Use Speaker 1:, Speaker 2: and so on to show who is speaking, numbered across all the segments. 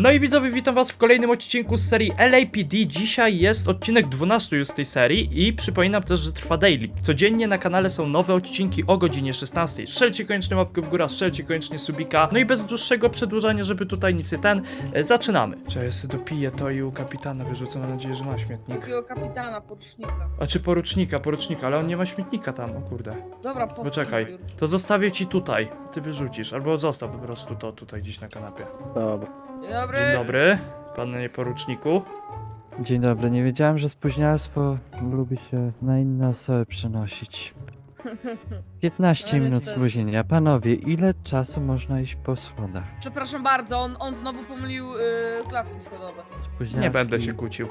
Speaker 1: No i widzowie, witam was w kolejnym odcinku z serii LAPD. Dzisiaj jest odcinek 12 już z tej serii i przypominam też, że trwa daily. Codziennie na kanale są nowe odcinki o godzinie 16. Strzelcie koniecznie łapkę w górę, strzelcie koniecznie subika. No i bez dłuższego przedłużania, żeby tutaj nic nie zaczynamy. Czy ja sobie dopiję to i u kapitana wyrzucę, mam nadzieję, że ma śmietnik.
Speaker 2: Takiego kapitana, porucznika.
Speaker 1: A czy porucznika, ale on nie ma śmietnika tam, o kurde.
Speaker 2: Dobra,
Speaker 1: Poczekaj, to zostawię ci tutaj, ty wyrzucisz, albo zostaw po prostu to tutaj gdzieś na kanapie.
Speaker 3: Dobra.
Speaker 2: Dzień dobry.
Speaker 1: Dzień dobry, panie poruczniku.
Speaker 3: Dzień dobry, nie wiedziałem, że spóźnialstwo lubi się na inne osoby przenosić. 15
Speaker 2: No,
Speaker 3: minut
Speaker 2: niestety.
Speaker 3: spóźnienia. Panowie, ile czasu można iść po schodach?
Speaker 2: Przepraszam bardzo, on znowu pomylił klatki schodowe.
Speaker 3: Spóźnialski...
Speaker 1: Nie będę się kłócił.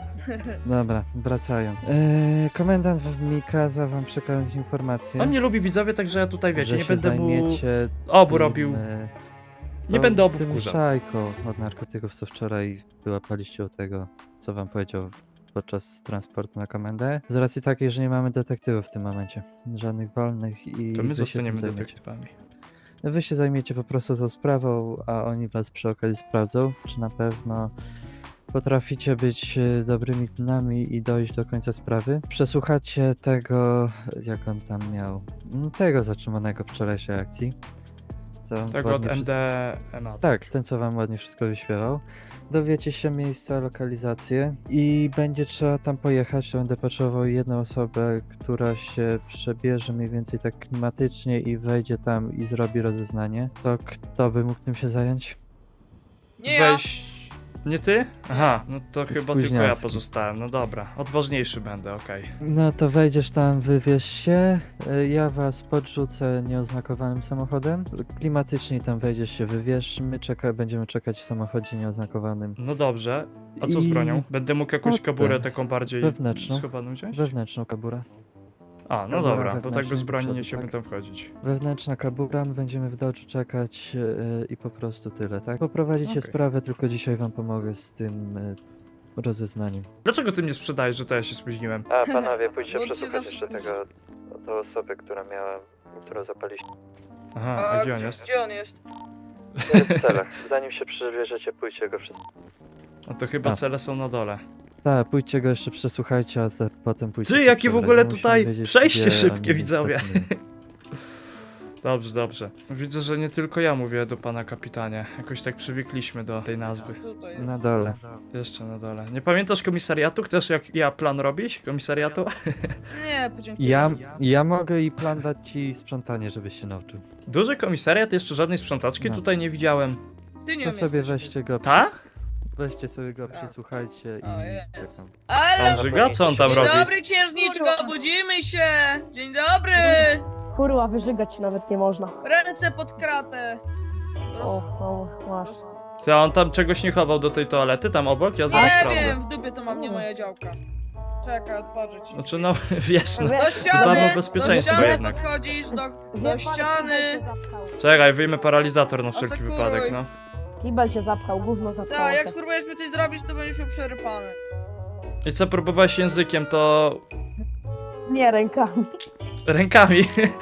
Speaker 3: Dobra, wracając. Komendant mi kazał wam przekazać informację,
Speaker 1: On nie lubi widzowie, także ja tutaj wiecie,
Speaker 3: że
Speaker 1: nie
Speaker 3: się
Speaker 1: będę mu
Speaker 3: zajmiecie
Speaker 1: obu
Speaker 3: tym,
Speaker 1: robił. Nie
Speaker 3: no,
Speaker 1: będę obu
Speaker 3: tym
Speaker 1: wkurzał.
Speaker 3: szajką od narkotyków, co wczoraj wyłapaliście od tego, co wam powiedział podczas transportu na komendę. Z racji takiej, że nie mamy detektywów w tym momencie. Żadnych wolnych i
Speaker 1: To my
Speaker 3: wy się
Speaker 1: zostaniemy
Speaker 3: tym zajmiecie.
Speaker 1: detektywami.
Speaker 3: Wy się zajmiecie po prostu tą sprawą, a oni was przy okazji sprawdzą, czy na pewno potraficie być dobrymi knami i dojść do końca sprawy. Przesłuchacie tego, jak on tam miał, tego zatrzymanego wczorajszej akcji. Co
Speaker 1: Tego od
Speaker 3: ładnie wszystko-
Speaker 1: MDMA.
Speaker 3: Tak, ten co wam ładnie wszystko wyśpiewał. Dowiecie się miejsca, lokalizację i będzie trzeba tam pojechać, to będę potrzebował jedną osobę, która się przebierze mniej więcej tak klimatycznie i wejdzie tam i zrobi rozeznanie. To kto by mógł tym się zająć?
Speaker 2: Nie ja.
Speaker 1: Weź... Nie ty? Aha, no to chyba tylko ja
Speaker 3: Spóźnialski.
Speaker 1: pozostałem, no dobra. Odważniejszy będę, okej.
Speaker 3: No to wejdziesz tam, wywieź się, ja was podrzucę nieoznakowanym samochodem. Klimatycznie tam wejdziesz się, wywieź, my będziemy czekać w samochodzie nieoznakowanym.
Speaker 1: No dobrze. A co z
Speaker 3: I-
Speaker 1: bronią? Będę mógł jakąś
Speaker 3: Odtem.
Speaker 1: kaburę taką bardziej
Speaker 3: Wewnętrzną.
Speaker 1: schowaną wziąć?
Speaker 3: Wewnętrzną kaburę.
Speaker 1: A, no
Speaker 3: kabura
Speaker 1: dobra, bo tak
Speaker 3: wewnętrzna
Speaker 1: bez
Speaker 3: do
Speaker 1: broni
Speaker 3: przodu,
Speaker 1: nie chciałbym
Speaker 3: tak.
Speaker 1: tam wchodzić.
Speaker 3: Wewnętrzna kabura, my będziemy w doczu czekać i po prostu tyle, tak? Poprowadzicie
Speaker 1: Okej.
Speaker 3: sprawę, tylko dzisiaj wam pomogę z tym rozeznaniem.
Speaker 1: Dlaczego ty mnie sprzedajesz, że to ja się spóźniłem?
Speaker 3: A panowie, pójdźcie
Speaker 2: Bo ci się przesłuchać zawsze jeszcze tego-
Speaker 3: tą osobę, którą zapaliście.
Speaker 1: Aha, a gdzie on jest?
Speaker 2: Gdzie on jest?
Speaker 3: W celach. Zanim się przebierzecie, pójdźcie go wszystko.
Speaker 1: No to chyba
Speaker 3: A.
Speaker 1: cele są na dole.
Speaker 3: Tak, pójdźcie go jeszcze przesłuchajcie, a potem pójdźcie.
Speaker 1: Ty,
Speaker 3: się
Speaker 1: jakie w
Speaker 3: przebrać.
Speaker 1: ogóle
Speaker 3: Musimy
Speaker 1: tutaj
Speaker 3: wiedzieć,
Speaker 1: przejście
Speaker 3: gdzie
Speaker 1: szybkie,
Speaker 3: oni
Speaker 1: widzowie.
Speaker 3: stacjonują.
Speaker 1: Dobrze, dobrze. Widzę, że nie tylko ja mówię do pana kapitanie. Jakoś tak przywykliśmy do tej nazwy.
Speaker 2: Tutaj.
Speaker 3: Na dole.
Speaker 1: Jeszcze na dole. Nie pamiętasz komisariatu? Chcesz jak ja plan robić? Komisariatu?
Speaker 2: Nie, podziękuję.
Speaker 3: Ja mogę i plan dać ci sprzątanie, żebyś się nauczył.
Speaker 1: Duży komisariat, jeszcze żadnej sprzątaczki
Speaker 3: No.
Speaker 1: tutaj nie widziałem.
Speaker 2: Ty nie
Speaker 3: To
Speaker 2: umiesz
Speaker 3: sobie
Speaker 2: też.
Speaker 3: weźcie go,
Speaker 1: Ta?
Speaker 3: weźcie sobie go, przesłuchajcie
Speaker 2: O,
Speaker 3: i
Speaker 2: jest.
Speaker 3: czekam.
Speaker 2: Ale...
Speaker 1: Pan Żyga? Co on tam
Speaker 2: Dzień
Speaker 1: robi?
Speaker 2: dobry, księżniczko, budzimy się! Dzień dobry!
Speaker 4: Kurwa, wyżygać nawet nie można.
Speaker 2: Ręce pod kratę!
Speaker 4: O, masz.
Speaker 1: Ty, a on tam czegoś nie chował do tej toalety, tam obok? Ja zaraz
Speaker 2: Nie
Speaker 1: sprawdzę.
Speaker 2: wiem, w dupie to mam, nie moja działka. Czekaj, otworzyć.
Speaker 1: Znaczy no, wiesz no.
Speaker 2: Do
Speaker 1: Dbamy
Speaker 2: ściany!
Speaker 1: o bezpieczeństwo
Speaker 2: Do ściany
Speaker 1: jednak.
Speaker 2: podchodzisz, do ściany!
Speaker 1: Czekaj, wyjmę paralizator na wszelki
Speaker 2: Asekuruj.
Speaker 1: wypadek, no.
Speaker 4: Kibel się zapchał, gówno zapchało
Speaker 2: Tak, jak
Speaker 4: się.
Speaker 2: spróbujesz mi coś zrobić, to będziesz miał przerypany.
Speaker 1: I co, próbowałeś językiem, to
Speaker 4: Nie rękami.
Speaker 1: rękami.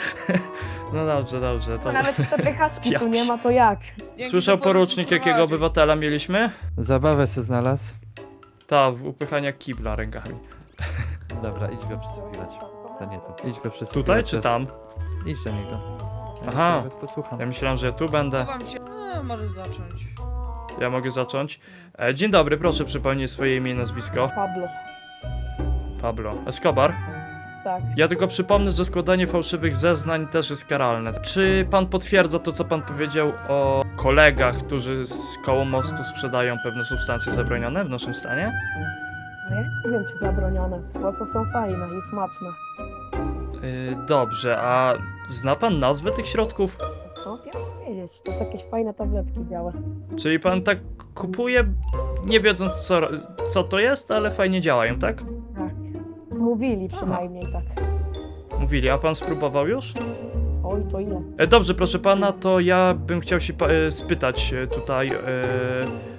Speaker 1: No dobrze, dobrze. To...
Speaker 4: Nawet przepychaczki
Speaker 1: Ja
Speaker 4: tu nie ma, to jak?
Speaker 2: Dzięki,
Speaker 1: Słyszał
Speaker 2: że
Speaker 1: porucznik,
Speaker 2: porucznik
Speaker 1: jakiego
Speaker 2: prowadzi.
Speaker 1: obywatela mieliśmy?
Speaker 3: Zabawę se znalazł.
Speaker 1: Ta, w upychania kibla rękami.
Speaker 3: Dobra, idź go przesłuchiwać. To nie tu. Idź go przesłuchiwać.
Speaker 1: Tutaj czy tam?
Speaker 3: Idź do niego. Ja
Speaker 1: Aha.
Speaker 3: sobie was posłucham.
Speaker 1: Ja myślałem, że ja tu będę.
Speaker 2: Chowam cię. Możesz zacząć.
Speaker 1: Ja mogę zacząć. Dzień dobry, proszę przypomnieć swoje imię i nazwisko.
Speaker 4: Pablo.
Speaker 1: Pablo Escobar.
Speaker 4: Tak.
Speaker 1: Ja tylko przypomnę, że składanie fałszywych zeznań też jest karalne. Czy pan potwierdza to, co pan powiedział o kolegach, którzy z koło mostu sprzedają pewne substancje zabronione w naszym stanie?
Speaker 4: No ja nie wiem, czy zabronione. Słoce są fajne i smaczne.
Speaker 1: Dobrze, a zna pan nazwę tych środków?
Speaker 4: Skąd ja mam wiedzieć? To są jakieś fajne tabletki białe.
Speaker 1: Czyli pan tak kupuje, nie wiedząc co to jest, ale fajnie działają, tak?
Speaker 4: Tak. Mówili przynajmniej tak.
Speaker 1: Mówili, a pan spróbował już?
Speaker 4: Oj, to ile?
Speaker 1: Dobrze, proszę pana, to ja bym chciał się spytać tutaj, no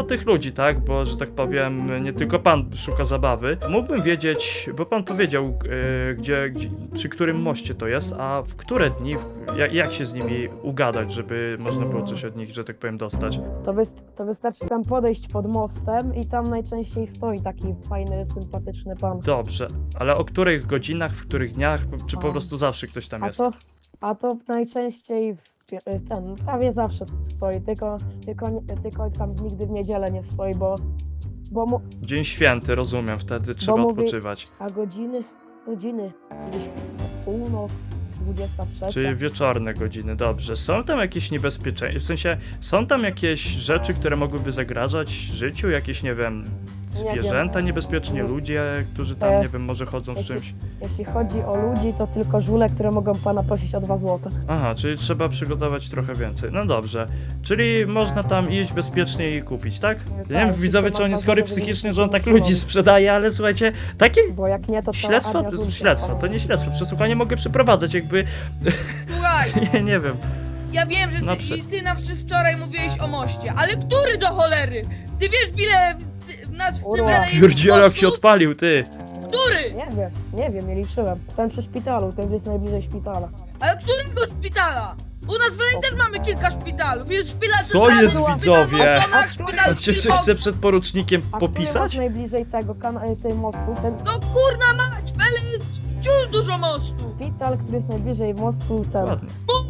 Speaker 1: no tych ludzi, tak? Bo, że tak powiem, nie tylko pan szuka zabawy. Mógłbym wiedzieć, bo pan powiedział, przy którym moście to jest, a w które dni, jak się z nimi ugadać, żeby można było coś od nich, że tak powiem, dostać.
Speaker 4: To wystarczy tam podejść pod mostem i tam najczęściej stoi taki fajny, sympatyczny pan.
Speaker 1: Dobrze, ale o których godzinach, w których dniach, czy po prostu zawsze ktoś tam jest?
Speaker 4: A to najczęściej prawie zawsze stoi, tylko tam nigdy w niedzielę nie stoi, bo
Speaker 1: Dzień święty, rozumiem, wtedy trzeba
Speaker 4: mówi-
Speaker 1: odpoczywać.
Speaker 4: a godziny gdzieś północ, 23.
Speaker 1: Czyli wieczorne godziny, dobrze. Są tam jakieś niebezpieczeństwa, w sensie, są tam jakieś rzeczy, które mogłyby zagrażać życiu? Jakieś, nie wiem, zwierzęta niebezpiecznie, ludzie, którzy tam, nie wiem, może chodzą z
Speaker 4: jeśli-
Speaker 1: czymś?
Speaker 4: Jeśli chodzi o ludzi, to tylko żule, które mogą pana prosić o 2 złote.
Speaker 1: Aha, czyli trzeba przygotować trochę więcej. No dobrze. Czyli można tam iść bezpiecznie i kupić, tak? Ja nie wiem,
Speaker 4: Tak,
Speaker 1: widzowie,
Speaker 4: tylko
Speaker 1: czy on
Speaker 4: mam
Speaker 1: jest chory
Speaker 4: wrażenie, że
Speaker 1: psychicznie,
Speaker 4: nic
Speaker 1: że on
Speaker 4: nie
Speaker 1: tak
Speaker 4: muszą
Speaker 1: ludzi
Speaker 4: robić.
Speaker 1: sprzedaje, ale słuchajcie, takie
Speaker 4: Bo jak nie, to
Speaker 1: śledztwo,
Speaker 4: armia żółcia
Speaker 1: śledztwo, to
Speaker 4: wpadnie.
Speaker 1: nie śledztwo, przesłuchanie mogę przeprowadzać, jakby,
Speaker 2: Słuchaj,
Speaker 1: nie wiem.
Speaker 2: ja wiem, że
Speaker 1: No
Speaker 2: ty wczoraj mówiłeś o moście, ale który do cholery? Ty wiesz, ile w tym
Speaker 4: Kurwa.
Speaker 2: jest
Speaker 1: Pierdzielak się
Speaker 2: mostów?
Speaker 1: odpalił, ty.
Speaker 2: Który?
Speaker 4: Nie wiem, nie liczyłem. Ten przy szpitalu, ten jest najbliżej szpitala.
Speaker 2: Ale którego szpitala? U nas w Belej też mamy kilka szpitalów. Jest szpital
Speaker 1: Co
Speaker 2: centralny,
Speaker 1: jest,
Speaker 2: szpital
Speaker 1: widzowie?
Speaker 2: Moczonach,
Speaker 4: A
Speaker 2: szpital
Speaker 1: On się
Speaker 2: Kilkowski.
Speaker 1: chce przed porucznikiem
Speaker 4: A który
Speaker 1: popisać?
Speaker 4: masz najbliżej tej mostu? Ten
Speaker 2: No kurna mać, w Belej jest wciąż dużo mostu.
Speaker 4: szpital, który jest najbliżej mostu, ten.
Speaker 1: Ładnie.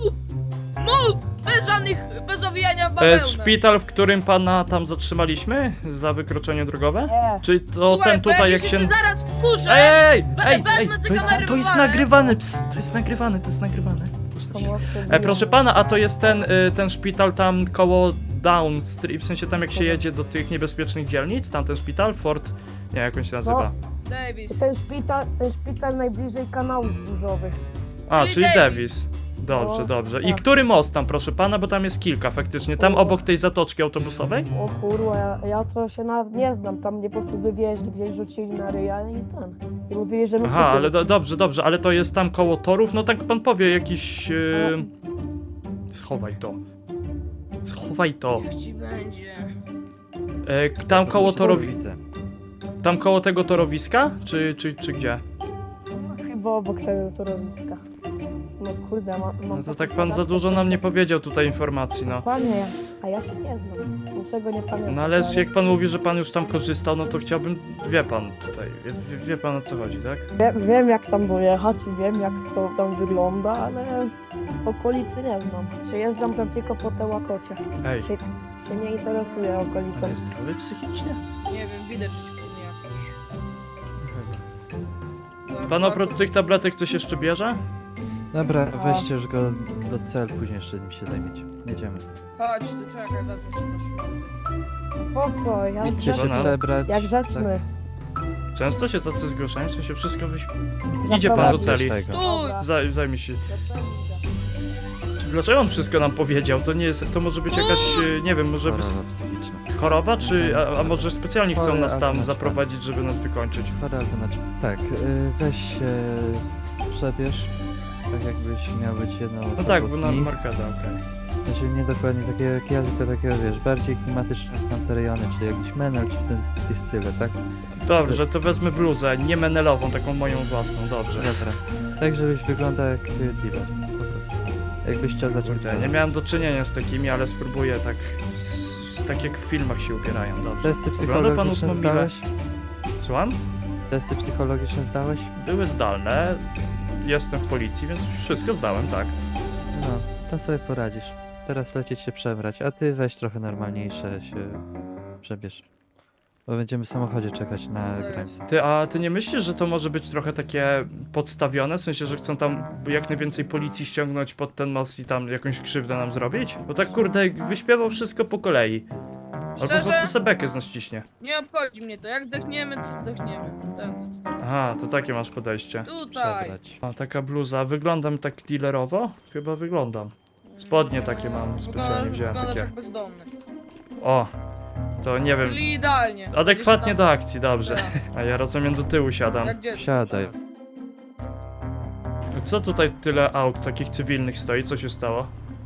Speaker 2: Mów! Bez owijania w bawełnę.
Speaker 1: Szpital, w którym pana tam zatrzymaliśmy za wykroczenie drogowe?
Speaker 4: Nie,
Speaker 1: Czy to
Speaker 2: Słuchaj,
Speaker 1: ten
Speaker 2: bo
Speaker 1: tutaj, jak
Speaker 2: ty
Speaker 1: się...
Speaker 2: zaraz wkurzę.
Speaker 1: Ej,
Speaker 2: Wezmę te kamery
Speaker 1: to jest
Speaker 2: wywalę.
Speaker 1: nagrywane, ps, to jest nagrywane, to jest nagrywane.
Speaker 4: to mostu
Speaker 1: Proszę pana, a to jest ten szpital tam koło Down Street, w sensie tam jak się jedzie do tych niebezpiecznych dzielnic, tam ten szpital, Fort, nie, jak on się nazywa?
Speaker 2: Davis.
Speaker 4: Ten szpital najbliżej kanałów burzowych.
Speaker 1: A,
Speaker 2: Czyli
Speaker 1: czyli
Speaker 2: Davis.
Speaker 1: Davis. Dobrze,
Speaker 4: No,
Speaker 1: dobrze. I
Speaker 4: tak.
Speaker 1: który most tam, proszę pana, bo tam jest kilka faktycznie, tam obok tej zatoczki autobusowej?
Speaker 4: O kurwa, ja to się nawet nie znam. Tam mnie po prostu wywieźli, gdzieś rzucili na ryja i ten. I mówili, że my
Speaker 1: Aha, ale dobrze, dobrze, ale to jest tam koło torów, no tak pan powie, jakiś... Schowaj to. Schowaj to.
Speaker 2: Niech ci będzie.
Speaker 1: Tam koło torowi...
Speaker 3: Widzę.
Speaker 1: Tam koło tego torowiska? Czy gdzie?
Speaker 4: Chyba obok tego torowiska. No kurde, mam
Speaker 1: No to tak pan za dużo nam nie powiedział tutaj informacji, no.
Speaker 4: Panie, a ja się nie znam. Niczego nie pamiętam.
Speaker 1: No ale jak pan mówi, że pan już tam korzystał, no to chciałbym, wie pan tutaj, wie pan o co chodzi, tak?
Speaker 4: Wiem jak tam dojechać i wiem jak to tam wygląda, ale okolicy nie znam. Przejeżdżam tam tylko po te łakocie.
Speaker 1: Ej,
Speaker 4: Się nie interesuję
Speaker 1: pan
Speaker 4: okolicą.
Speaker 1: jest zdrowy psychicznie?
Speaker 2: Nie wiem, widać, że ci pewnie jakoś.
Speaker 1: Pan oprócz tych tabletek coś jeszcze bierze?
Speaker 3: Dobra, weźcie już go do celu, później jeszcze z nim się zajmiecie. Jedziemy.
Speaker 2: Chodź, tu czekaj, wezmę cię na środek.
Speaker 4: Spoko, jak
Speaker 3: Idźcie się
Speaker 1: Dobra.
Speaker 3: przebrać.
Speaker 4: jak grzeczny.
Speaker 1: Często się tacy zgłaszają, w sensie wszystko
Speaker 4: Ja
Speaker 1: Idzie pan do
Speaker 4: prowadzisz
Speaker 1: celi.
Speaker 3: tego.
Speaker 2: Stój!
Speaker 1: Zajmij się. Dlaczego on wszystko nam powiedział? To nie jest, to może być jakaś, nie wiem, może
Speaker 3: Choroba psychiczna.
Speaker 1: choroba, czy, a może specjalnie chcą
Speaker 3: Chory,
Speaker 1: nas tam
Speaker 3: ale
Speaker 1: zaprowadzić, żeby nas wykończyć?
Speaker 3: Choroba, znaczy... Tak, weź się przebierz. Tak jakbyś miał być jedną osobą
Speaker 1: No tak, bo
Speaker 3: z
Speaker 1: na
Speaker 3: nich.
Speaker 1: markada, okej.
Speaker 3: Znaczy nie dokładnie takiego jak ja, tylko takiego, wiesz, bardziej klimatyczne w tamte rejony, czyli jakiś menel, czy w tym style, tak?
Speaker 1: Dobrze, to wezmę bluzę, nie menelową, taką moją własną, dobrze.
Speaker 3: Dobra. Tak, żebyś wyglądał jak dealer, po prostu. Jakbyś chciał zacząć...
Speaker 1: Kurde, nie miałem do czynienia z takimi, ale spróbuję tak, tak jak w filmach się ubierają, dobrze.
Speaker 3: Testy
Speaker 1: Wygląda pan
Speaker 3: psychologiczne
Speaker 1: usmogliwe.
Speaker 3: zdałeś?
Speaker 1: Słucham?
Speaker 3: Testy psychologiczne zdałeś?
Speaker 1: Były zdalne, jestem w policji, więc wszystko zdałem, tak.
Speaker 3: No, to sobie poradzisz. Teraz lecieć się przebrać, a ty weź trochę normalniejsze się przebierz. Bo będziemy w samochodzie czekać na granicę.
Speaker 1: A ty nie myślisz, że to może być trochę takie podstawione? W sensie, że chcą tam jak najwięcej policji ściągnąć pod ten most i tam jakąś krzywdę nam zrobić? Bo tak kurde, wyśpiewał wszystko po kolei. Albo po
Speaker 2: Szczerze?
Speaker 1: prostu sebekę z nas ciśnie.
Speaker 2: Nie obchodzi mnie to, jak zdechniemy, to zdechniemy.
Speaker 1: Aha, to takie masz podejście.
Speaker 2: Tutaj.
Speaker 3: Przebrać.
Speaker 1: A taka bluza, wyglądam tak dealerowo? Chyba wyglądam. Spodnie takie mam, specjalnie wziąłem
Speaker 2: Wyglądasz
Speaker 1: takie.
Speaker 2: jak bezdomny.
Speaker 1: O, to nie wiem,
Speaker 2: Czyli idealnie.
Speaker 1: adekwatnie
Speaker 2: Gdzieś
Speaker 1: do akcji, dobrze.
Speaker 2: tam.
Speaker 1: A ja rozumiem, do tyłu siadam.
Speaker 2: Jak dziecko.
Speaker 3: Siadaj.
Speaker 1: Co tutaj tyle aut takich cywilnych stoi? Co się stało?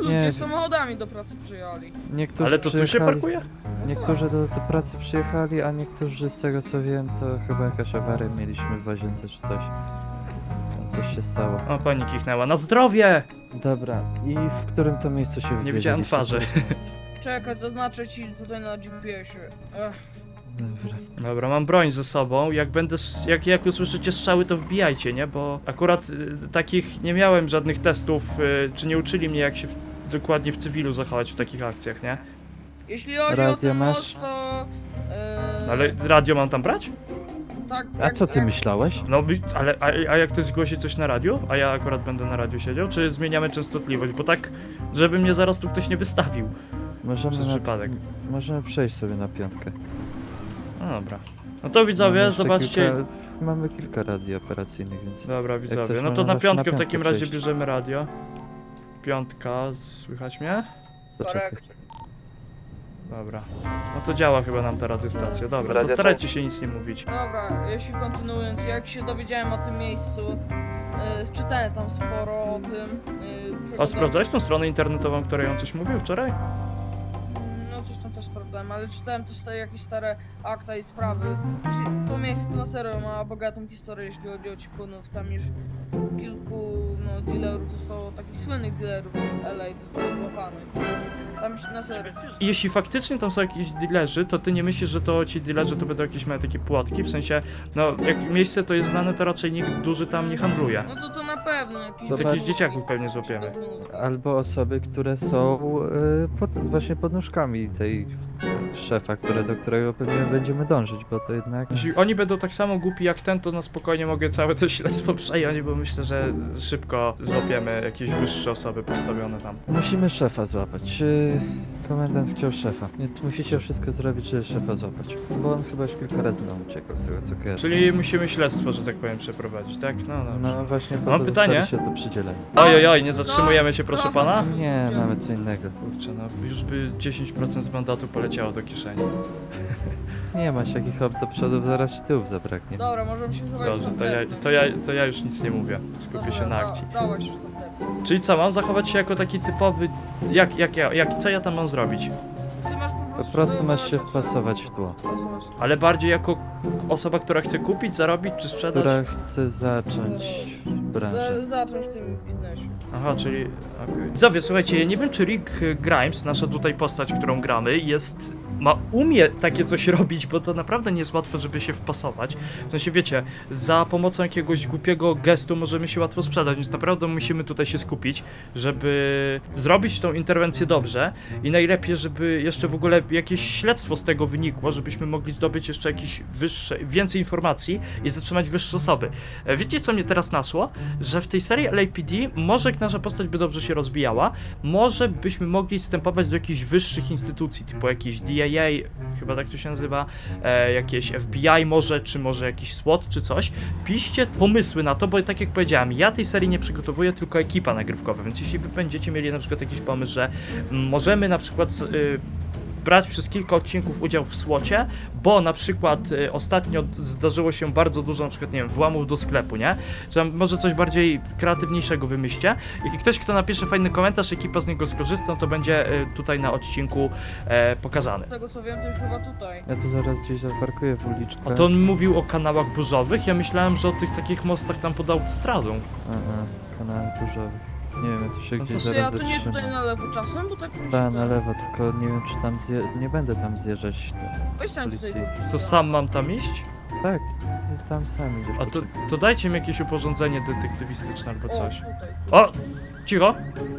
Speaker 2: ludzie
Speaker 3: Nie.
Speaker 2: samochodami do pracy przyjechali.
Speaker 3: Niektórzy
Speaker 1: Ale to tu się
Speaker 3: przyjechali-
Speaker 1: parkuje?
Speaker 3: Niektórzy do pracy przyjechali, a niektórzy z tego co wiem, to chyba jakaś awaria mieliśmy w łazience czy coś. Tam coś się stało.
Speaker 1: O, pani kichnęła. Na zdrowie!
Speaker 3: Dobra, i w którym to miejscu się
Speaker 1: Nie widziałem
Speaker 3: wybieraliście?
Speaker 1: twarzy.
Speaker 3: Które to miejsce?
Speaker 2: Czekaj, zaznaczę ci tutaj na GPS-ie.
Speaker 3: Dobra.
Speaker 1: Dobra, mam broń ze sobą. Jak będę, jak usłyszycie strzały, to wbijajcie, nie? Bo akurat takich nie miałem żadnych testów, czy nie uczyli mnie, jak się dokładnie w cywilu zachować w takich akcjach, nie?
Speaker 2: Jeśli chodzi o
Speaker 3: Radio
Speaker 2: ten
Speaker 3: masz?
Speaker 2: most, to...
Speaker 1: Ale radio mam tam brać?
Speaker 2: Tak,
Speaker 3: A co ty myślałeś?
Speaker 1: No, ale a jak ktoś zgłosi coś na radiu? A ja akurat będę na radiu siedział? Czy zmieniamy częstotliwość? Bo tak, żeby mnie zaraz tu ktoś nie wystawił
Speaker 3: Możemy,
Speaker 1: przez przypadek.
Speaker 3: możemy przejść sobie na piątkę.
Speaker 1: No dobra. No to widzowie,
Speaker 3: Mamy jeszcze
Speaker 1: zobaczcie.
Speaker 3: Mamy kilka radii operacyjnych, więc...
Speaker 1: Dobra, widzowie.
Speaker 3: chcesz,
Speaker 1: No to
Speaker 3: można
Speaker 1: na
Speaker 3: zawsze
Speaker 1: piątkę
Speaker 3: na
Speaker 1: w takim
Speaker 3: piątkę
Speaker 1: razie
Speaker 3: przejść.
Speaker 1: bierzemy radio. Piątka, słychać mnie?
Speaker 3: Poczekaj.
Speaker 1: Dobra. No to działa chyba nam ta radiostacja. Dobra, to
Speaker 3: Radio
Speaker 1: starajcie się nic nie mówić.
Speaker 2: Dobra, jeśli kontynuując, jak się dowiedziałem o tym miejscu, czytałem tam sporo o tym.
Speaker 1: A
Speaker 2: przeglądałem-
Speaker 1: sprawdzałeś tą stronę internetową, której on coś mówił wczoraj?
Speaker 2: No coś tam też sprawdzałem, ale czytałem też jakieś stare akta i sprawy. To miejsce to na serio ma bogatą historię, jeśli chodzi o cipunów. Tam już kilku dealerów zostało, takich słynnych dealerów z LA zostało złapanych. Tam już na serio.
Speaker 1: I jeśli faktycznie tam są jakieś dealerzy, to ty nie myślisz, że to ci dealerzy to będą jakieś małe takie płotki? W sensie, no jak miejsce to jest znane, to raczej nikt duży tam nie handluje.
Speaker 2: No to na pewno jakiś...
Speaker 3: Z jakichś
Speaker 1: dzieciaków pewnie złapiemy.
Speaker 3: Albo osoby, które są właśnie pod nóżkami tej szefa, do którego pewnie będziemy dążyć, bo to jednak...
Speaker 1: Jeśli oni będą tak samo głupi jak ten, to na spokojnie mogę całe to śledztwo przejąć, bo myślę, że szybko złapiemy jakieś wyższe osoby postawione tam.
Speaker 3: Musimy szefa złapać. Komendant chciał szefa, więc musicie wszystko zrobić, żeby szefa złapać. Bo on chyba już kilka razy nam uciekał z tego co kojarzę.
Speaker 1: Czyli musimy śledztwo, że tak powiem, przeprowadzić, tak? No dobrze.
Speaker 3: No właśnie, po
Speaker 1: Mam
Speaker 3: to
Speaker 1: pytanie?
Speaker 3: zostali się do przydzielenia.
Speaker 1: Oj, nie zatrzymujemy się, proszę pana?
Speaker 3: Nie, nawet co innego.
Speaker 1: Kurczę, no już by 10% z mandatu poleciało do kieszeni.
Speaker 3: Nie masz jakich hop do przodu, zaraz ci tyłów zabraknie.
Speaker 2: Dobra, możemy się zobaczyć
Speaker 1: Dobrze,
Speaker 2: na
Speaker 1: to ja już nic nie mówię. Skupię się na akcji.
Speaker 2: Dawaj się tam tepnij.
Speaker 1: Czyli co, mam zachować się jako taki typowy... Co ja tam mam zrobić?
Speaker 2: Ty masz
Speaker 3: Po prostu masz się wpasować w tło.
Speaker 1: Ale bardziej jako osoba, która chce kupić, zarobić czy sprzedać?
Speaker 3: Która chce zacząć branżę.
Speaker 2: Zacząć w tym biznesie.
Speaker 1: Aha, czyli... okej. Widzowie, słuchajcie, ja nie wiem, czy Rick Grimes, nasza tutaj postać, którą gramy, umie takie coś robić, bo to naprawdę nie jest łatwo, żeby się wpasować. W sensie, wiecie, za pomocą jakiegoś głupiego gestu możemy się łatwo sprzedać, więc naprawdę musimy tutaj się skupić, żeby zrobić tą interwencję dobrze i najlepiej, żeby jeszcze w ogóle jakieś śledztwo z tego wynikło, żebyśmy mogli zdobyć jeszcze jakieś więcej informacji i zatrzymać wyższe osoby. Wiecie, co mnie teraz nasło? Że w tej serii LAPD może nasza postać by dobrze się rozwijała, może byśmy mogli wstępować do jakichś wyższych instytucji, typu jakieś DIA, chyba tak to się nazywa, jakieś FBI czy może jakiś SWAT czy coś. Piszcie pomysły na to, bo tak jak powiedziałem, ja tej serii nie przygotowuję, tylko ekipa nagrywkowa, więc jeśli wy będziecie mieli na przykład jakiś pomysł, że możemy na przykład brać przez kilka odcinków udział w SWAT-cie, bo na przykład ostatnio zdarzyło się bardzo dużo na przykład, nie wiem, włamów do sklepu, nie? Czy tam może coś bardziej kreatywniejszego wymyślcie i ktoś, kto napisze fajny komentarz, ekipa z niego skorzysta, to będzie tutaj na odcinku pokazany.
Speaker 2: Z tego co wiem, to już chyba tutaj.
Speaker 3: Ja tu zaraz gdzieś zaparkuję w uliczkę.
Speaker 1: A to on mówił o kanałach burzowych? Ja myślałem, że o tych takich mostach tam pod autostradą.
Speaker 3: Kanałem burzowych. Nie wiem, ja tu się
Speaker 1: No to
Speaker 3: gdzieś
Speaker 1: Czy
Speaker 2: Czy ja
Speaker 3: zaraz
Speaker 2: tu nie tutaj
Speaker 3: zatrzymam.
Speaker 2: na lewo czasem, bo tak mi się
Speaker 3: Ta, na
Speaker 2: wydaje.
Speaker 3: lewo, tylko nie wiem czy tam nie będę tam zjeżdżać.
Speaker 2: Weź tam tutaj.
Speaker 3: policji.
Speaker 1: Co, sam mam tam iść?
Speaker 3: Tak, ty tam sam idziesz.
Speaker 1: A to,
Speaker 3: poczekaj.
Speaker 1: to dajcie mi jakieś uporządzenie detektywistyczne albo
Speaker 2: O,
Speaker 1: coś.
Speaker 2: tutaj.
Speaker 1: O! Cicho!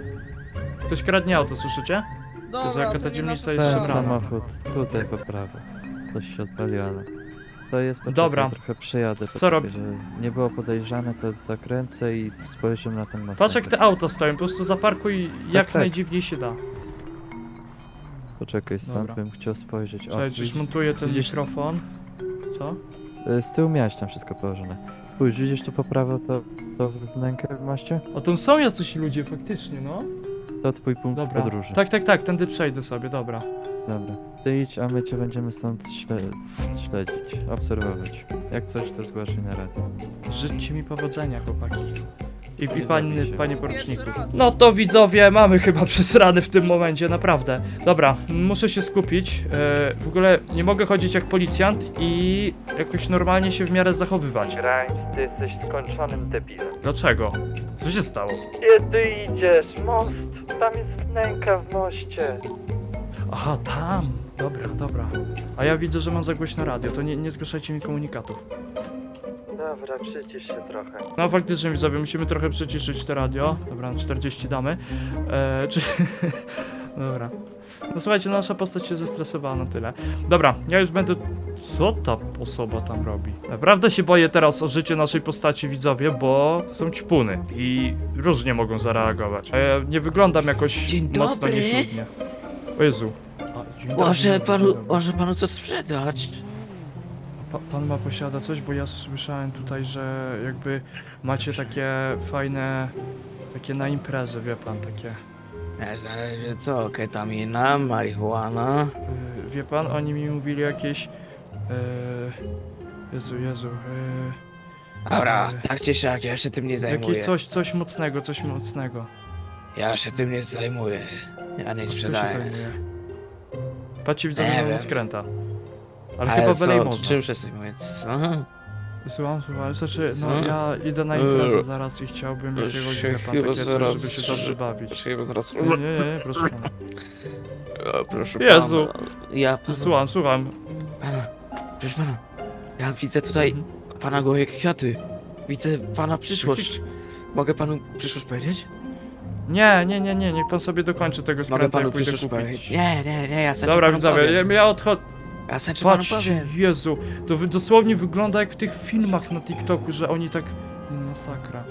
Speaker 1: Ktoś kradnie auto, słyszycie?
Speaker 2: Dobra,
Speaker 1: Jezu, jaka
Speaker 2: to
Speaker 1: ta
Speaker 2: nie
Speaker 1: dzielnica
Speaker 2: nasza
Speaker 1: jest
Speaker 3: Ten
Speaker 2: sprawa.
Speaker 1: szemrana.
Speaker 3: samochód, tutaj po prawo. Coś się odpaliło, ale... To jest poczekaj,
Speaker 1: Dobra.
Speaker 3: trochę przejadę.
Speaker 1: Co rob-
Speaker 3: Żeby nie było podejrzane, to zakręcę i spojrzymy na ten most.
Speaker 1: Patrz jak te auta stoją, po prostu zaparkuj jak
Speaker 3: tak.
Speaker 1: najdziwniej się da.
Speaker 3: Poczekaj, stąd
Speaker 1: Dobra.
Speaker 3: bym chciał spojrzeć.
Speaker 1: Czekaj, czyż montuję ten
Speaker 3: widzisz-
Speaker 1: mikrofon? Co?
Speaker 3: Z tyłu miałeś tam wszystko położone. Spójrz, widzisz tu po prawo to wnękę w moście?
Speaker 1: O, tam są jacyś ludzie faktycznie, no.
Speaker 3: To twój punkt
Speaker 1: Dobra.
Speaker 3: podróży.
Speaker 1: Tak, tędy przejdę sobie, dobra.
Speaker 3: Dobra. Ty idź, a my cię będziemy stąd śledzić, obserwować. Jak coś, to zgłaszaj na radio.
Speaker 1: Życzcie mi powodzenia, chłopaki. I panie poruczniku.
Speaker 2: Pierwszy raz.
Speaker 1: No to widzowie, mamy chyba przesrany w tym momencie, naprawdę. Dobra, muszę się skupić. W ogóle nie mogę chodzić jak policjant i jakoś normalnie się w miarę zachowywać.
Speaker 3: Grimes, ty jesteś skończonym debilem.
Speaker 1: Dlaczego? Co się stało?
Speaker 3: Kiedy idziesz? Most! Tam jest wnęka w moście.
Speaker 1: Aha, tam. Dobra, dobra. A ja widzę, że mam za głośno radio, to nie zgłaszajcie mi komunikatów.
Speaker 3: Dobra, przycisz się trochę.
Speaker 1: No faktycznie widzowie, musimy trochę przyciszyć to radio. Dobra, na 40 damy. Czy... Dobra. No słuchajcie, nasza postać się zestresowała na tyle. Dobra, ja już będę... Co ta osoba tam robi? Naprawdę się boję teraz o życie naszej postaci, widzowie, bo to są ćpuny i różnie mogą zareagować. A ja nie wyglądam jakoś
Speaker 5: Dzień
Speaker 1: mocno
Speaker 5: dobry.
Speaker 1: niechlubnie. O Jezu. A, dzień dobry,
Speaker 5: Może
Speaker 1: dzień
Speaker 5: panu,
Speaker 1: dobry.
Speaker 5: może panu coś sprzedać?
Speaker 1: Pan ma posiada coś, bo ja słyszałem tutaj, że jakby macie takie fajne, takie na imprezę, wie pan, takie.
Speaker 5: Zależy co, ketamina, marihuana.
Speaker 1: Wie pan, oni mi mówili jakieś. Jezu.
Speaker 5: Dobra, tak czy siak, ja się tym nie zajmuję.
Speaker 1: Jakieś coś mocnego.
Speaker 5: Ja się tym nie zajmuję. Ja nie
Speaker 1: Kto się
Speaker 5: sprzedaję.
Speaker 1: zajmuje? Patrzcie, widzę,
Speaker 5: Nie
Speaker 1: że
Speaker 5: wiem.
Speaker 1: skręta. Ale chyba wylej można.
Speaker 5: Czym się zajmuję? Co?
Speaker 1: Słucham, znaczy, no
Speaker 5: Co?
Speaker 1: ja idę na imprezę zaraz i chciałbym jakiegoś, wie pan,
Speaker 5: Chyba
Speaker 1: takie coś,
Speaker 5: zaraz-
Speaker 1: żeby się dobrze bawić.
Speaker 5: Chyba zaraz...
Speaker 1: Nie, proszę pana.
Speaker 5: O, proszę
Speaker 1: Jezu.
Speaker 5: pana. Ja panu...
Speaker 1: Słucham.
Speaker 5: Pana, proszę pana. Ja widzę tutaj pana gołe kwiaty. Widzę pana przyszłość. Mogę panu przyszłość powiedzieć?
Speaker 1: Nie, niech pan sobie dokończy tego
Speaker 5: Mogę
Speaker 1: skrętu,
Speaker 5: panu
Speaker 1: jak pójdę
Speaker 5: przyszłość
Speaker 1: kupić.
Speaker 5: powiedzieć. Nie, ja sam
Speaker 1: Dobra,
Speaker 5: panu
Speaker 1: widzowie,
Speaker 5: powiem.
Speaker 1: ja odchodzę.
Speaker 5: Ja sam ci panu
Speaker 1: Patrzcie,
Speaker 5: powiem.
Speaker 1: Jezu, to dosłownie wygląda jak w tych filmach na TikToku, że oni tak... Masakra.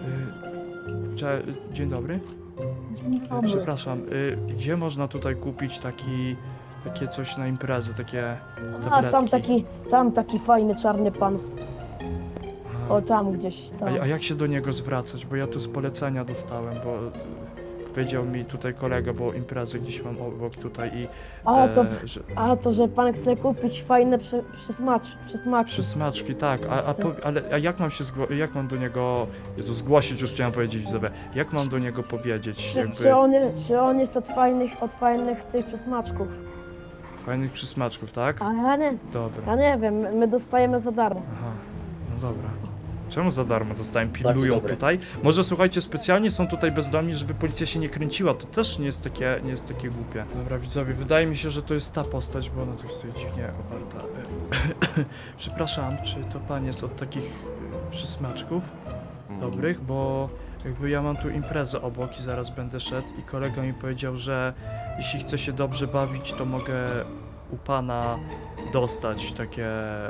Speaker 1: Dzień dobry. Przepraszam, gdzie można tutaj kupić takie coś na imprezę, takie
Speaker 4: A
Speaker 1: tabletki?
Speaker 4: tam taki fajny czarny pan.
Speaker 1: Aha.
Speaker 4: O tam gdzieś tam.
Speaker 1: A jak się do niego zwracać? Bo ja tu z polecenia dostałem, bo powiedział mi tutaj kolega, bo imprezę gdzieś mam obok tutaj i... że...
Speaker 4: To, że pan chce kupić fajne przysmaczki.
Speaker 1: Przysmaczki, tak, ale jak mam się jak mam do niego, Jezu, zgłosić już chciałem powiedzieć, widzowie, jak mam do niego powiedzieć, jakby
Speaker 4: Czy on jest od fajnych tych przysmaczków?
Speaker 1: fajnych przysmaczków, tak?
Speaker 4: A ja
Speaker 1: Dobra,
Speaker 4: nie wiem, my dostajemy za darmo.
Speaker 1: aha, no dobra. Czemu za darmo dostałem? Pilnują tutaj? Może słuchajcie, specjalnie są tutaj bezdomni, żeby policja się nie kręciła, to też nie jest takie głupie. Dobra, widzowie, wydaje mi się, że to jest ta postać, bo ona tak stoi dziwnie oparta. Przepraszam, czy to pan jest od takich przysmaczków? Dobrych, bo jakby ja mam tu imprezę obok i zaraz będę szedł i kolega mi powiedział, że jeśli chcę się dobrze bawić, to mogę u pana dostać takie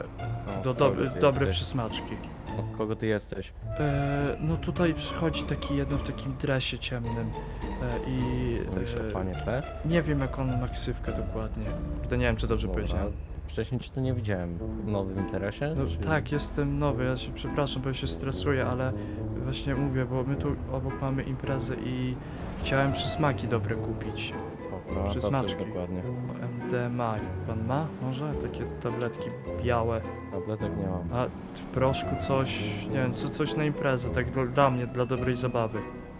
Speaker 1: dobre przysmaczki.
Speaker 6: Od kogo ty jesteś?
Speaker 1: No tutaj przychodzi taki jeden w takim dresie ciemnym i
Speaker 6: Mówisz o panie P?
Speaker 1: nie wiem jak on ma ksywkę dokładnie. To nie wiem czy dobrze
Speaker 6: Dobra.
Speaker 1: powiedziałem.
Speaker 6: Wcześniej cię tu nie widziałem. W nowym interesie?
Speaker 1: No,
Speaker 6: Czy-
Speaker 1: tak, jestem nowy, ja się przepraszam, bo ja się stresuję, ale właśnie mówię, bo my tu obok mamy imprezę i chciałem przysmaki dobre kupić.
Speaker 6: Dobra, to co
Speaker 1: przysmaczki.
Speaker 6: dokładnie.
Speaker 1: MDMA, pan ma? Może? Takie tabletki białe,
Speaker 6: Tabletek nie mam.
Speaker 1: a w proszku coś, nie wiem, coś na imprezę, tak dla mnie, dla dobrej zabawy.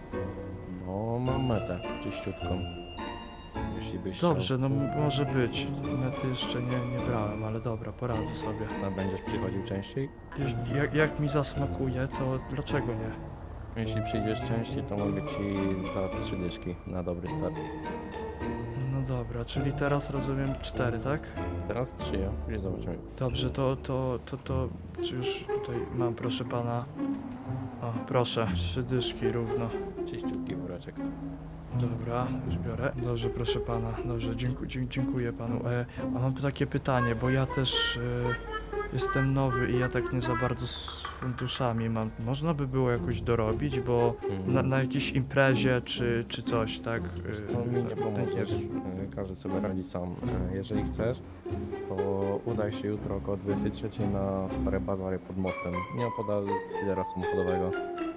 Speaker 6: No, mam metę czyściutką. Jeśli byś
Speaker 1: Dobrze, no może być. Mety jeszcze nie brałem, ale dobra, poradzę sobie.
Speaker 6: chciał, to będziesz przychodził częściej?
Speaker 1: Jak mi zasmakuje, to dlaczego nie?
Speaker 6: Jeśli przyjdziesz częściej, to mogę ci za 3 dyszki na dobry start.
Speaker 1: No dobra, czyli teraz rozumiem 4, tak?
Speaker 6: Teraz 3, ja. Później zobaczymy.
Speaker 1: Dobrze, to czy już tutaj mam, proszę pana. O, proszę, 3 dyszki równo.
Speaker 6: Czyściutki woreczek.
Speaker 1: Dobra, już biorę. Dobrze, proszę pana. Dobrze, dziękuję panu. A mam takie pytanie, bo ja też jestem nowy i ja tak nie za bardzo z funduszami mam. Można by było jakoś dorobić, bo na jakiejś imprezie czy coś, tak?
Speaker 6: To mi nie pomożesz.
Speaker 1: wiem.
Speaker 6: Każdy sobie radzi sam. Jeżeli chcesz, to udaj się jutro około 23 na Stare Bazary pod mostem. Nieopodal lidera samochodowego.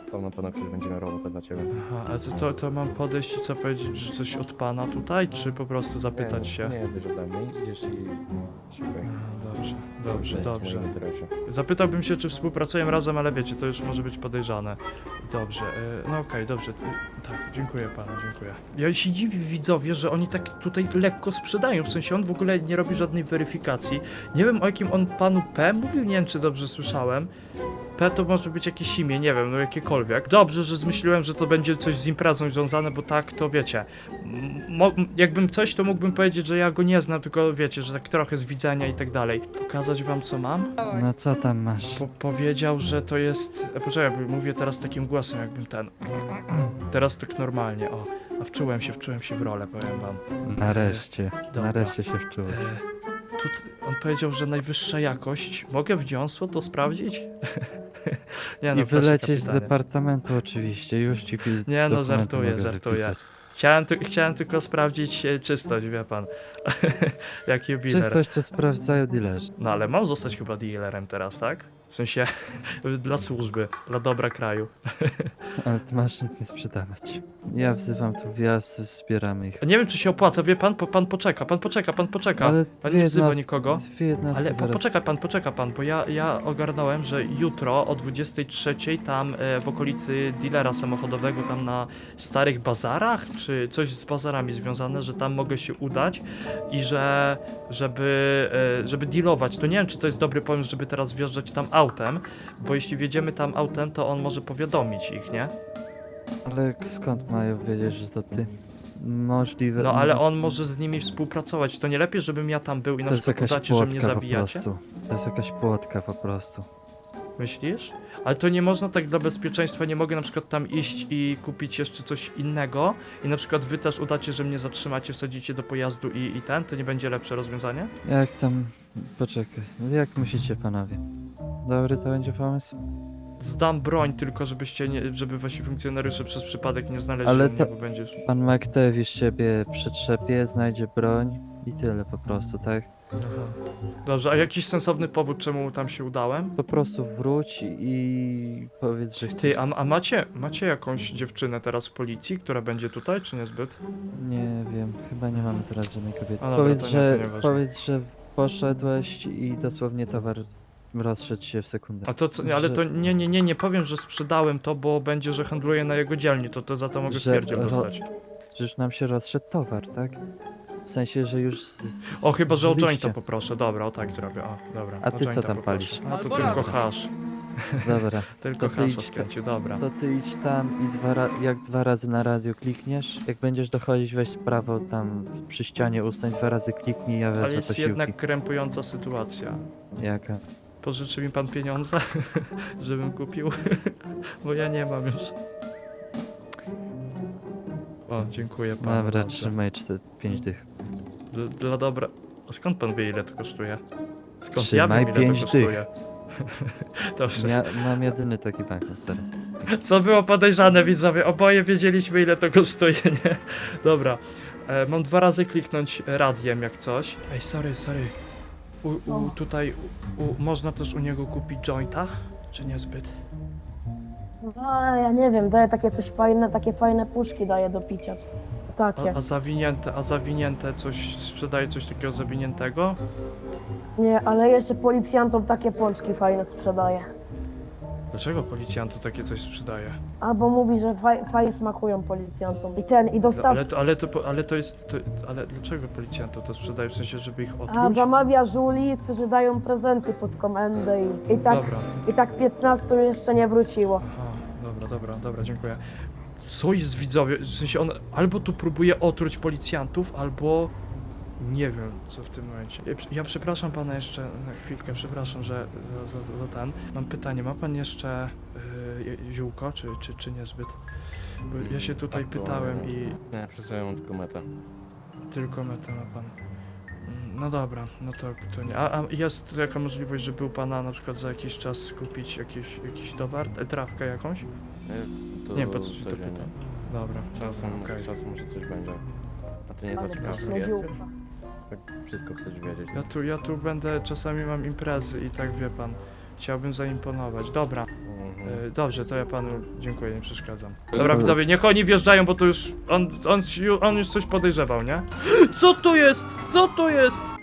Speaker 6: Tam na pewno ktoś będzie miał robotę dla ciebie.
Speaker 1: Aha, a co mam podejść i co powiedzieć, że coś od pana tutaj, czy po prostu zapytać się?
Speaker 6: Nie jesteś ode mnie, idziesz i szukaj.
Speaker 1: Aha, dobrze,
Speaker 6: To jest w
Speaker 1: dobrze.
Speaker 6: moim interesie.
Speaker 1: Zapytałbym się, czy współpracujemy razem, ale wiecie, to już może być podejrzane. Dobrze, no okej, dobrze. Tak, dziękuję panu, dziękuję. Ja się dziwię widzowie, że oni tak tutaj lekko sprzedają, w sensie on w ogóle nie robi żadnej weryfikacji. Nie wiem, o jakim on panu P mówił, nie wiem, czy dobrze słyszałem. P to może być jakieś imię, nie wiem, no jakiekolwiek. Dobrze, że zmyśliłem, że to będzie coś z imprezą związane, bo tak, to wiecie. Jakbym coś, to mógłbym powiedzieć, że ja go nie znam, tylko wiecie, że tak trochę z widzenia i tak dalej. Pokazać wam, co mam?
Speaker 2: Dawaj.
Speaker 3: No co tam masz?
Speaker 1: Powiedział, że to jest... Poczekaj, bo mówię teraz takim głosem, jakbym ten... Teraz tak normalnie, o. A wczułem się w rolę, powiem wam.
Speaker 3: Nareszcie,
Speaker 1: Dobra.
Speaker 3: nareszcie się wczułeś.
Speaker 1: On powiedział, że najwyższa jakość. Mogę wdziąsło to sprawdzić? Nie
Speaker 3: I
Speaker 1: proszę,
Speaker 3: wylecieć z
Speaker 1: kapitanie.
Speaker 3: departamentu oczywiście, już ci
Speaker 1: Nie, no,
Speaker 3: dokumenty
Speaker 1: żartuję,
Speaker 3: mogę
Speaker 1: żartuję.
Speaker 3: wypisać.
Speaker 1: Chciałem tylko sprawdzić czystość, wie pan. Jak jubiler.
Speaker 3: Czystość to sprawdzają dealerzy.
Speaker 1: No ale mam zostać chyba dealerem teraz, tak? W sensie dla służby, dla dobra kraju.
Speaker 3: Ale ty masz nic nie sprzedawać. Ja wzywam tu wjazd, zbieramy ich.
Speaker 1: A nie wiem, czy się opłaca, wie pan, pan poczeka.
Speaker 3: Ale
Speaker 1: Pan
Speaker 3: dwie
Speaker 1: nie wzywa
Speaker 3: jednostki-
Speaker 1: nikogo.
Speaker 3: Dwie jednostki
Speaker 1: Ale
Speaker 3: zaraz.
Speaker 1: poczeka pan, bo ja ogarnąłem, że jutro o 23:00 tam w okolicy dealera samochodowego, tam na starych bazarach, czy coś z bazarami związane, że tam mogę się udać i żeby dealować. To nie wiem, czy to jest dobry pomysł, żeby teraz wjeżdżać tam autem, bo jeśli wjedziemy tam autem, to on może powiadomić ich, nie?
Speaker 3: Ale skąd mają wiedzieć, że to ty? Możliwe.
Speaker 1: No ale on może z nimi współpracować. To nie lepiej, żebym ja tam był i na
Speaker 3: To jest
Speaker 1: przykład
Speaker 3: jakaś
Speaker 1: udacie, że mnie
Speaker 3: płotka po
Speaker 1: zabijacie?
Speaker 3: prostu. To jest jakaś płotka po prostu.
Speaker 1: Myślisz? Ale to nie można tak dla bezpieczeństwa, nie mogę na przykład tam iść i kupić jeszcze coś innego i na przykład wy też udacie, że mnie zatrzymacie, wsadzicie do pojazdu i to nie będzie lepsze rozwiązanie?
Speaker 3: Jak tam... Poczekaj. Jak myślicie panowie? Dobry to będzie pomysł?
Speaker 1: Zdam broń tylko, żebyście nie, żeby wasi funkcjonariusze przez przypadek nie znaleźli
Speaker 3: Ale
Speaker 1: mnie,
Speaker 3: to-
Speaker 1: bo będziesz...
Speaker 3: Pan McTavish ciebie przetrzepie, znajdzie broń i tyle po prostu, tak?
Speaker 1: Aha. Dobrze, a jakiś sensowny powód, czemu tam się udałem?
Speaker 3: Po prostu wróć i powiedz, że chcesz...
Speaker 1: Ty, a macie jakąś dziewczynę teraz w policji, która będzie tutaj, czy niezbyt?
Speaker 3: Nie wiem, chyba nie mamy teraz żadnej kobiety.
Speaker 1: A dobra,
Speaker 3: Powiedz,
Speaker 1: to nie-
Speaker 3: że,
Speaker 1: to nieważne.
Speaker 3: powiedz, że poszedłeś i dosłownie towar rozszedł się w sekundę.
Speaker 1: A to co, ale
Speaker 3: Że-
Speaker 1: to nie powiem, że sprzedałem to, bo będzie, że handluję na jego dzielni, to za to mogę
Speaker 3: Że
Speaker 1: pierdziel
Speaker 3: ro-
Speaker 1: dostać.
Speaker 3: Że już nam się rozszedł towar, tak? W sensie, że już...
Speaker 1: O, chyba, że o
Speaker 3: byliście.
Speaker 1: jointa poproszę, dobra, o tak zrobię, o, dobra.
Speaker 3: A
Speaker 1: o
Speaker 3: ty co
Speaker 1: jointa
Speaker 3: tam
Speaker 1: poproszę.
Speaker 3: palisz?
Speaker 1: A to
Speaker 2: Albo
Speaker 1: tylko
Speaker 2: razem.
Speaker 1: hasz,
Speaker 3: Dobra,
Speaker 1: tylko
Speaker 3: To ty
Speaker 1: hasza
Speaker 3: idź
Speaker 1: skręcił, dobra.
Speaker 3: to ty idź tam i jak dwa razy na radio klikniesz, jak będziesz dochodzić, weź prawo tam przy ścianie ustań, dwa razy kliknij, ja wezmę
Speaker 1: Ale jest
Speaker 3: posiłki.
Speaker 1: jednak krępująca sytuacja.
Speaker 3: Jaka?
Speaker 1: Pożyczy mi pan pieniądze, żebym kupił? Bo ja nie mam już. O, dziękuję panu.
Speaker 3: Dobra,
Speaker 1: bardzo.
Speaker 3: trzymaj 5 dych.
Speaker 1: Dla dobra. A skąd pan wie, ile to kosztuje? Skąd ja
Speaker 3: Trzymaj
Speaker 1: wiem, ile to
Speaker 3: 5
Speaker 1: kosztuje? Dobrze.
Speaker 3: Ja mam jedyny taki banknot teraz.
Speaker 1: Co było podejrzane, widzowie? Oboje wiedzieliśmy, ile to kosztuje, nie? Dobra. Mam 2 razy kliknąć radiem, jak coś. Ej, sorry. Tutaj można też u niego kupić jointa? Czy niezbyt?
Speaker 4: No, ja nie wiem, daje takie coś fajne, takie fajne puszki daje do picia. Takie.
Speaker 1: A zawinięte coś, sprzedaje coś takiego zawiniętego?
Speaker 4: Nie, ale jeszcze policjantom takie pączki fajne sprzedaje.
Speaker 1: Dlaczego policjantu takie coś sprzedaje?
Speaker 4: Albo mówi, że fajnie smakują policjantom. I dostaw...
Speaker 1: Ale to jest... ale dlaczego policjantu to sprzedaje? W sensie, żeby ich
Speaker 4: A
Speaker 1: otruć?
Speaker 4: zamawia żuli, którzy dają prezenty pod komendę
Speaker 1: Dobra.
Speaker 4: i tak 15 jeszcze nie wróciło.
Speaker 1: Aha, dobra, dziękuję. Co jest, widzowie? W sensie on albo tu próbuje otruć policjantów, albo... Nie wiem, co w tym momencie. Ja przepraszam pana jeszcze na chwilkę, przepraszam, że za ten. Mam pytanie, ma pan jeszcze ziółko, czy niezbyt? Bo ja się tutaj pytałem i
Speaker 6: Nie, przy sobie mam tylko metę.
Speaker 1: tylko metę ma pan. No dobra, no to nie. A jest jaka możliwość, żeby u pana na przykład za jakiś czas kupić jakiś towar, trawkę jakąś?
Speaker 6: Jest, to
Speaker 1: Nie, po co się to
Speaker 6: codziennie.
Speaker 1: pytam. Dobra, okej.
Speaker 6: Czasem może coś będzie. A ty nie
Speaker 4: Ale
Speaker 6: zaciekawiony
Speaker 4: pyszne
Speaker 6: jesteś?
Speaker 4: ziółka.
Speaker 6: Tak wszystko chcesz wiedzieć.
Speaker 1: Ja tu będę, czasami mam imprezy i tak wie pan. Chciałbym zaimponować, dobra.
Speaker 6: Mhm.
Speaker 1: Dobrze, to ja panu dziękuję, nie przeszkadzam. Dobra, widzowie, niech oni wjeżdżają, bo to już... On już coś podejrzewał, nie? Co to jest? Co to jest?